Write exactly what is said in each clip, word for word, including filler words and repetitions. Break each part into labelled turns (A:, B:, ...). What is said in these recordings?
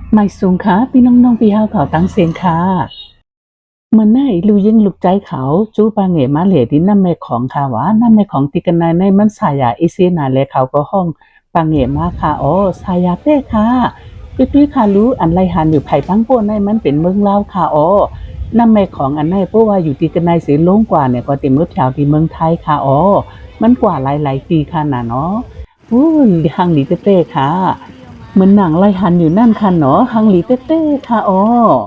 A: ไม่สูงค่ะพี่น้องๆพี่เฮาเขาตั้งเสียงค่ะเมื่อไหนลูยิงลูกใจเขาจู้ปาเหงมาเหลดินน้ำแม่ของค่ะว่าน้ำแม่ของติกันนายในมันสายาอีเสียนาและเขาก็ห้องปาเหงมาค่ะอ๋อสายาเต้ค่ะตุ้ยๆค่ะรู้อันไรหันอยู่ไผ่ตั้งโป้ในมันเป็นเมืองลาวค่ะอ๋อน้ำแม่ของอันไหนเพราะว่าอยู่ติกันนายเสียลงกว่าเนี่ยก็เต็มรถแถวที่เมืองไทยค่ะอ๋อมันกว่าหลายๆปีค่ะน่ะเนาะอู้หังหลีเต้ๆค่ะ เหมือนหนังไล่หันอยู่นั่นค่ะเนาะฮังหลีเต้เต้ค่ะอ๋อ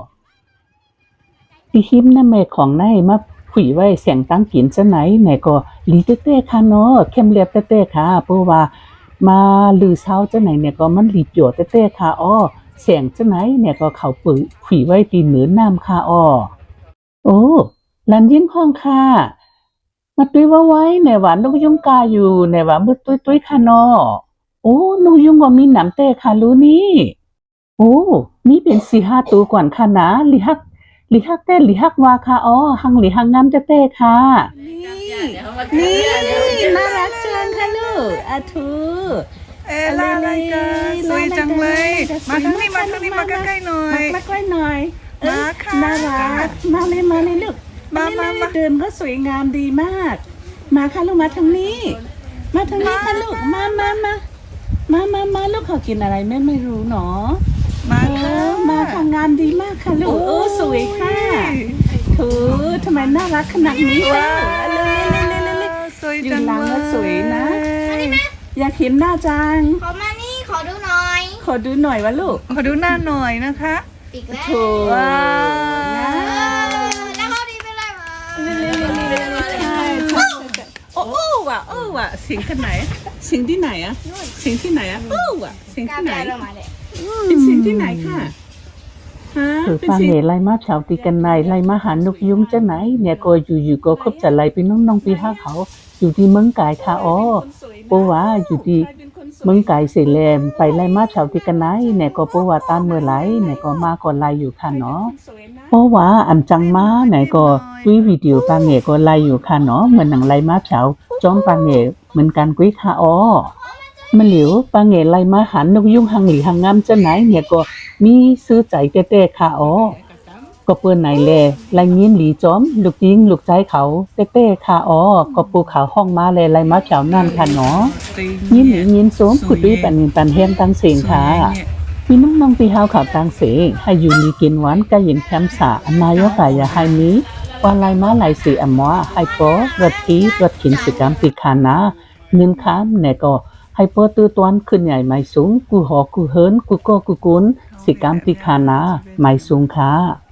A: ที่ฮิมนั่นแม่ของนายมาผุยไว้เสียงตั้งกินจะไหนไหนก็หลีเต้เต้ค่ะเนาะเข้มเรียบเต้เต้ค่ะเพราะว่ามาลือเช้าจะไหนเนี่ยก็มันหลีบโยเต้เต้ค่ะอ้อเสียงจะไหนเนี่ยก็เขาปุ๋ยผุยไว้ตีเหนือน้ำค่ะอ้อโอ้ลันยิ่งห้องค่ะมาตุ้ยว่าไว้ไหนหวานนกยุงกาอยู่ไหนหวานมืดตุ้ยตุ้ยค่ะเนาะโอ้นกยุงว่ามีหนำเต้ค่ะรู้นี่ โอ้มีเป็นสี่ห้าตัวก่อนค่ะนะลิฮักลิฮักเต้ลิฮักวาค่ะอ๋อหังลิฮังงามเต้ๆค่ะนี่นี่น่ารักจังค่ะลูกอาทู
B: เอลาอะไรกันสวยจังเลย มาทางนี้มาทางนี้มาใกล้ๆหน่อย
A: มาใกล้หน่อย
B: มาค่ะ
A: น่ารักมาเลยมาเลยลูก
B: มามามา
A: เดินก็สวยงามดีมาก มาค่ะลูกมาทางนี้ มาทางนี้ค่ะลูกมามามามามามาลูกขอกินอะไรแม่ไม่รู้เนาะ
B: มา
A: เอ
B: ค่ะ
A: อมาทำงานดีมากค่ะลูกโอ้สวยค่ะถูทำไมน่ารักขนาดนี้ค่ะเร็วๆๆๆ
B: สวย
A: ๆอยู่
B: จัง
A: หลัง
B: เล
A: แล้วสวยนะ
B: ย
A: อยากเห็นหน้าจัง
C: ขอมานี่ขอดูหน่อย
A: ขอดูหน่อยวะลูก
B: ขอดูหน้าหน่อยนะคะ
C: อีกแล้ว
A: ถู
B: ว้า
C: เอ
A: นะ
C: อแล้วเขาดีไปเลยมา
A: ใช่ใช่โอ้โอ้ว่ะโอ้ว่ะเสียงที่ไหนเสียงที่ไหนอะเสียงที่ไหนอะโอ้ว่ะเสียง
C: กล้า
A: ที่ไหน
C: แปลลงมาเลย
A: เป็นเสียงที่ไหนค่ะฮะเป็นเสียงไล่มาชาวตีกันในไล่มาหานกยุงจะไหนเนี่ยก็อยู่ๆก็คบจะไล่ไปน้องๆปีห้าเขาอยู่ที่เมืองกายค่ะอ๋อเพราะว่าอยู่ที่เมืองกายเสแลมไปไล่มาชาวตีกันไหนเนี่ยก็เพราะว่าตามเมื่อไหร่เนี่ยก็มาก็ไล่อยู่ค่ะเนาะเพราะว่าอันจังมาไหนก็กุ้ยวิดีโอปางเงก็ไล่อยู่ค่ะเนาะเหมือนหนังไล่มาชาวจอมปางเงเหมือนกันกุ้ยค่ะอ๋อมันเหลียวปางเงไล่มาหันนกยุงหังหลีหังงามจะไหนเนี่ยก็มีซื้อใจเต้ๆค่ะอ๋อก็เปิ้นไหนแลไล่ยินหลีจอมลูกยิงลูกใจเขาเต้ๆค่ะอ๋อก็ปูเขาห้องมาแลไล่มาชาวนั่นค่ะเนาะยินหลียินสมขุดด้วยปันปันเฮียนตั้งเสียงค่ะพี่น้องน้องพี่เฮาเขาตั้งเสียงให้อยู่มีกินหวานก็ยินแคมสาอันนายกกายาให้นี้ว่าไล่มาไล่สีอมวให้ปอรถทีรถขินสิกรรมปิคานาเงินค้ามเนี่ยก็ให้ปอตื้อตวนขึ้นใหญ่ไม่สูงกูหอกูเฮินกูก็กูกุนสิกรรมปิคานาไม่สูงค่ะ